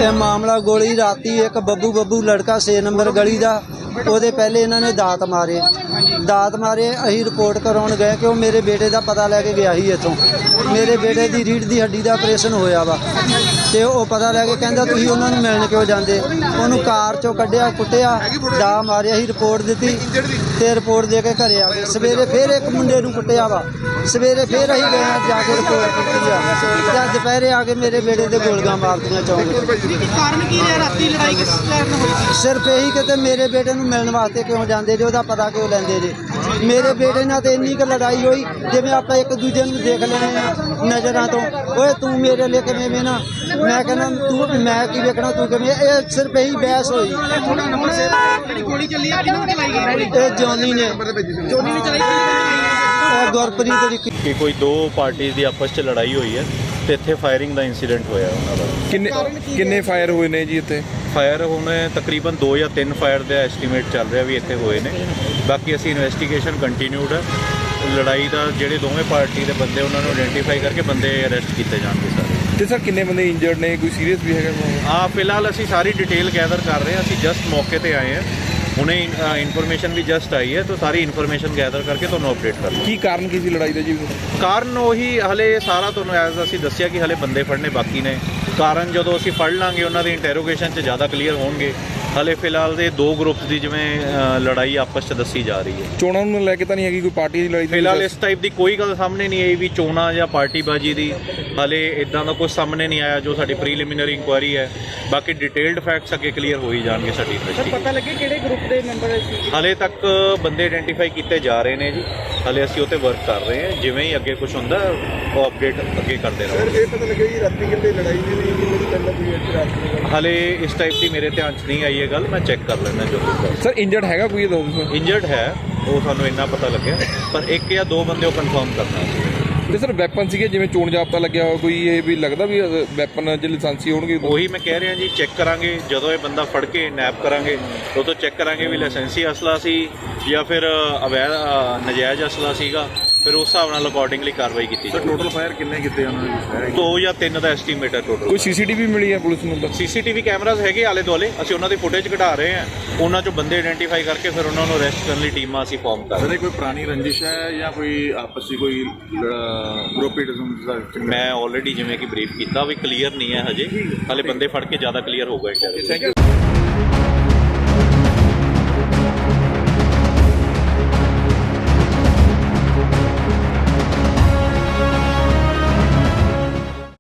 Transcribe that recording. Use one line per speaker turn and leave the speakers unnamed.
ਇਹ ਮਾਮਲਾ ਗੋਲੀ ਰਾਤੀ ਇੱਕ ਬੱਬੂ ਲੜਕਾ 6 ਨੰਬਰ ਗਲੀ ਦਾ ਉਹਦੇ ਪਹਿਲੇ ਇਹਨਾਂ ਨੇ ਦਾਤ ਮਾਰੇ ਅਸੀਂ ਰਿਪੋਰਟ ਕਰਾਉਣ ਗਏ ਕਿ ਉਹ ਮੇਰੇ ਬੇਟੇ ਦਾ ਪਤਾ ਲੈ ਕੇ ਗਿਆ ਸੀ ਇੱਥੋਂ। ਮੇਰੇ ਬੇਟੇ ਦੀ ਰੀੜ੍ਹ ਦੀ ਹੱਡੀ ਦਾ ਆਪਰੇਸ਼ਨ ਹੋਇਆ ਵਾ ਤੇ ਉਹ ਪਤਾ ਲੈ ਕੇ ਕਹਿੰਦਾ ਤੁਸੀਂ ਉਹਨਾਂ ਨੂੰ ਮਿਲਣ ਕਿਉਂ ਜਾਂਦੇ। ਉਹਨੂੰ ਕਾਰ ਚੋਂ ਕੱਢਿਆ, ਕੁੱਟਿਆ, ਦਾ ਮਾਰਿਆ ਸੀ। ਰਿਪੋਰਟ ਦਿੱਤੀ ਤੇ ਰਿਪੋਰਟ ਦੇ ਕੇ ਘਰੇ ਆ ਗਏ। ਸਵੇਰੇ ਫਿਰ ਇੱਕ ਮੁੰਡੇ ਨੂੰ ਕੁੱਟਿਆ ਵਾ। ਸਵੇਰੇ ਫਿਰ ਅਸੀਂ ਗਏ ਜਾ ਕੇ ਰਿਪੋਰਟ ਕੀਤੀ ਆ ਤੇ ਦੁਪਹਿਰੇ ਆ ਕੇ ਮੇਰੇ ਬੇਟੇ ਦੇ ਗੋਲੀਆਂ ਮਾਰਤੀਆਂ ਚੌਂਕ।
ਕਾਰਨ ਕੀ ਹੈ ਰਾਤੀ ਲੜਾਈ ਕਿਸ ਕਾਰਨ ਹੋਈ?
ਸਿਰਫ ਇਹੀ ਕਿ ਤੇ ਮੇਰੇ ਬੇਟੇ ਨੂੰ ਮਿਲਣ ਵਾਸਤੇ ਕਿਉਂ ਜਾਂਦੇ ਜੇ, ਉਹਦਾ ਪਤਾ ਕਿਉਂ ਲੈਂਦੇ ਜੇ। ਮੇਰੇ ਬੇਟੇ ਨਾਲ ਤੇ ਇੰਨੀ ਕੁ ਲੜਾਈ ਹੋਈ ਜਿਵੇਂ ਆਪਾਂ ਇੱਕ ਦੂਜੇ ਨੂੰ ਦੇਖ ਲੈਣੇ ਆ ਨਜ਼ਰਾਂ ਤੋਂ। ਓਏ ਤੂੰ ਮੇਰੇ ਲਈ ਕਿਵੇਂ ਵੇਖਣਾ, ਮੈਂ ਕਹਿੰਦਾ ਤੂੰ ਮੈਂ ਕੀ ਵੇਖਣਾ ਤੂੰ ਕਿਵੇਂ। ਇਹ ਸਿਰਫ ਇਹੀ ਬਹਿਸ ਹੋਈ।
ਜਿਹੜੀ ਗੋਲੀ ਚੱਲੀ ਆ ਕਿਹਨੂੰ ਚਲਾਈ ਗਈ?
ਇਹ ਜੋਨੀ ਨੇ
ਚਲਾਈ
ਇਹ ਗੁਰਪ੍ਰੀਤ ਦੀ
ਕਿ ਕੋਈ ਦੋ ਪਾਰਟੀ ਦੀ ਆਪਸ 'ਚ ਲੜਾਈ ਹੋਈ ਹੈ ਤੇ ਇੱਥੇ ਫਾਇਰਿੰਗ ਦਾ ਇਨਸੀਡੈਂਟ ਹੋਇਆ ਉਹਨਾਂ ਦਾ।
ਕਿੰਨੇ ਫਾਇਰ ਹੋਏ ਨੇ ਜੀ ਇੱਥੇ?
ਫਾਇਰ ਹੁਣ ਤਕਰੀਬਨ 2 ਜਾਂ 3 ਫਾਇਰ ਦਾ ਐਸਟੀਮੇਟ ਚੱਲ ਰਿਹਾ ਵੀ ਇੱਥੇ ਹੋਏ ਨੇ। ਬਾਕੀ ਅਸੀਂ ਇਨਵੈਸਟੀਗੇਸ਼ਨ ਕੰਟੀਨਿਊਡ ਹੈ। ਲੜਾਈ ਦਾ ਜਿਹੜੇ ਦੋਵੇਂ ਪਾਰਟੀ ਦੇ ਬੰਦੇ ਉਹਨਾਂ ਨੂੰ ਆਇਡੈਂਟੀਫਾਈ ਕਰਕੇ ਬੰਦੇ ਅਰੈਸਟ ਕੀਤੇ ਜਾਣਗੇ ਸਾਰੇ।
ਤੇ ਸਰ ਕਿੰਨੇ ਬੰਦੇ ਇੰਜਰਡ ਨੇ, ਕੋਈ ਸੀਰੀਅਸ ਵੀ ਹੈਗਾ?
ਫਿਲਹਾਲ ਅਸੀਂ ਸਾਰੀ ਡਿਟੇਲ ਗੈਦਰ ਕਰ ਰਹੇ ਹਾਂ। ਅਸੀਂ ਜਸਟ ਮੌਕੇ ਤੇ ਆਏ ਹਾਂ, ਹੁਣੇ ਇਨਫੋਰਮੇਸ਼ਨ ਵੀ ਜਸਟ ਆਈ ਹੈ ਤਾਂ ਸਾਰੀ ਇਨਫੋਰਮੇਸ਼ਨ ਗੈਦਰ ਕਰਕੇ ਤੁਹਾਨੂੰ ਅਪਡੇਟ ਕਰ ਲਵਾਂਗੇ।
ਕੀ ਕਾਰਨ ਕੀ ਸੀ ਲੜਾਈ ਦਾ ਜੀ?
ਕਾਰਨ ਉਹੀ ਹਲੇ ਸਾਰਾ ਤੁਹਾਨੂੰ ਐਜ਼ ਅਸੀਂ ਦੱਸਿਆ ਕਿ ਹਲੇ ਬੰਦੇ ਫੜਨੇ ਬਾਕੀ ਨੇ। ਕਾਰਨ ਜਦੋਂ ਅਸੀਂ ਫੜ ਲਾਂਗੇ ਉਹਨਾਂ ਦੀ ਇੰਟਰੋਗੇਸ਼ਨ 'ਚ ਜ਼ਿਆਦਾ ਕਲੀਅਰ ਹੋਣਗੇ। ਹਲੇ ਫਿਲਹਾਲ ਦੇ ਦੋ ਗਰੁੱਪਸ ਦੀ ਜਿਵੇਂ ਲੜਾਈ ਆਪਸ 'ਚ ਦੱਸੀ ਜਾ ਰਹੀ ਹੈ।
ਚੋਣਾਂ ਨੂੰ ਲੈ ਕੇ ਤਾਂ ਨਹੀਂ ਹੈਗੀ ਕੋਈ ਪਾਰਟੀ ਦੀ ਲੜਾਈ?
ਫਿਲਹਾਲ ਇਸ ਟਾਈਪ ਦੀ ਕੋਈ ਗੱਲ ਸਾਹਮਣੇ ਨਹੀਂ ਆਈ ਵੀ ਚੋਣਾਂ ਜਾਂ ਪਾਰਟੀਬਾਜ਼ੀ ਦੀ। ਹਲੇ ਇਦਾਂ ਦਾ ਕੁਝ ਸਾਹਮਣੇ ਨਹੀਂ ਆਇਆ। ਜੋ ਸਾਡੀ ਪ੍ਰੀਲਿਮਿਨਰੀ ਇਨਕੁਆਇਰੀ ਹੈ, ਬਾਕੀ ਡਿਟੇਲਡ ਫੈਕਟਸ ਅੱਗੇ ਕਲੀਅਰ ਹੋ ਹੀ ਜਾਣਗੇ ਸਾਡੀ ਇਨਵੈਸਟੀਗੇਸ਼ਨ।
ਪਤਾ ਲੱਗੇ ਕਿਹੜੇ ਗਰੁੱਪ ਦੇ ਮੈਂਬਰ ਸੀ?
ਹਲੇ ਤੱਕ ਬੰਦੇ ਆਇਡੈਂਟੀਫਾਈ ਕੀਤੇ ਜਾ ਰਹੇ ਨੇ ਜੀ। ਹਲੇ ਅਸੀਂ ਉਹ 'ਤੇ ਵਰਕ ਕਰ ਰਹੇ ਹਾਂ। ਜਿਵੇਂ ਹੀ ਅੱਗੇ ਕੁਝ ਹੁੰਦਾ ਉਹ ਅਪਡੇਟ ਅੱਗੇ ਕਰਦੇ ਰਹਾਂਗੇ।
ਇਹ ਪਤਾ ਲੱਗਿਆ ਜੀ ਰਾਤੀ ਕਿੰਨੇ ਲੜਾਈ ਦੀ ਨਹੀਂ ਕਿੰਨੇ ਦੀ ਪਹਿਲਾਂ ਕੋਈ ਰਾਤ?
ਹਲੇ ਇਸ ਟਾਈਪ ਦੀ ਮੇਰੇ ਧਿਆਨ 'ਚ ਨਹੀਂ ਆਈ ਇਹ ਗੱਲ। ਮੈਂ ਚੈੱਕ ਕਰ ਲੈਂਦਾ ਜੋ ਕੁਝ।
ਸਰ ਇੰਜਰਡ ਹੈਗਾ ਕੋਈ?
ਇੰਜਰਡ ਹੈ ਉਹ ਸਾਨੂੰ ਇੰਨਾ ਪਤਾ ਲੱਗਿਆ, ਪਰ ਇੱਕ ਜਾਂ ਦੋ ਬੰਦੇ ਉਹ ਕਨਫਰਮ ਕਰਨਾ।
ਤੇ ਸਰ ਵੈਪਨ ਸੀਗੇ ਜਿਵੇਂ ਚੋਣ ਜਾਬਤਾ ਲੱਗਿਆ ਹੋਇਆ ਕੋਈ, ਇਹ ਵੀ ਲੱਗਦਾ ਵੀ ਵੈਪਨ ਜੇ ਲਾਇਸੈਂਸੀ ਹੋਣਗੇ?
ਉਹੀ ਮੈਂ ਕਹਿ ਰਿਹਾ ਜੀ, ਚੈੱਕ ਕਰਾਂਗੇ ਜਦੋਂ ਇਹ ਬੰਦਾ ਫੜ ਕੇ ਨੈਪ ਕਰਾਂਗੇ ਉਦੋਂ ਚੈੱਕ ਕਰਾਂਗੇ ਵੀ ਲਾਇਸੈਂਸੀ ਅਸਲਾ ਸੀ ਜਾਂ ਫਿਰ ਅਵੈਧ ਨਜਾਇਜ਼ ਅਸਲਾ ਸੀਗਾ। ਫਿਰ ਉਸ ਹਿਸਾਬ ਨਾਲ ਅਕੋਰਡਿੰਗਲੀ ਕਾਰਵਾਈ ਕੀਤੀ ਜਾਵੇ।
ਟੋਟਲ ਫਾਇਰ ਕਿੰਨੇ ਕੀਤੇ ਉਹਨਾਂ ਨੇ?
2 ਜਾਂ 3 ਦਾ ਐਸਟੀਮੇਟ ਹੈ ਟੋਟਲ।
ਕੋਈ ਸੀਸੀਟੀਵੀ ਮਿਲੀ ਹੈ ਪੁਲਿਸ ਨੂੰ?
ਸੀਸੀਟੀਵੀ ਕੈਮਰਾਜ਼ ਹੈਗੇ ਆਲੇ ਦੁਆਲੇ, ਅਸੀਂ ਉਹਨਾਂ ਦੀ ਫੁਟੇਜ ਕਢਾ ਰਹੇ ਹਾਂ। ਉਹਨਾਂ 'ਚੋਂ ਬੰਦੇ ਆਇਡੈਂਟੀਫਾਈ ਕਰਕੇ ਫਿਰ ਉਹਨਾਂ ਨੂੰ ਅਰੈਸਟ ਕਰਨ ਲਈ ਟੀਮਾਂ ਅਸੀਂ ਫਾਰਮ ਕਰ ਰਹੇ ਹਾਂ।
ਕੋਈ ਪੁਰਾਣੀ ਰੰਜਿਸ਼ ਹੈ ਜਾਂ ਕੋਈ ਆਪਸੀ ਕੋਈ ਗਰੁੱਪੀਜ਼ਮ?
ਮੈਂ ਆਲਰੇਡੀ ਜਿਵੇਂ ਕਿ ਬਰੀਫ ਕੀਤਾ ਵੀ ਕਲੀਅਰ ਨਹੀਂ ਹੈ ਹਜੇ। ਹਾਲੇ ਬੰਦੇ ਫੜ ਕੇ ਜ਼ਿਆਦਾ ਕਲੀਅਰ ਹੋਊਗਾ।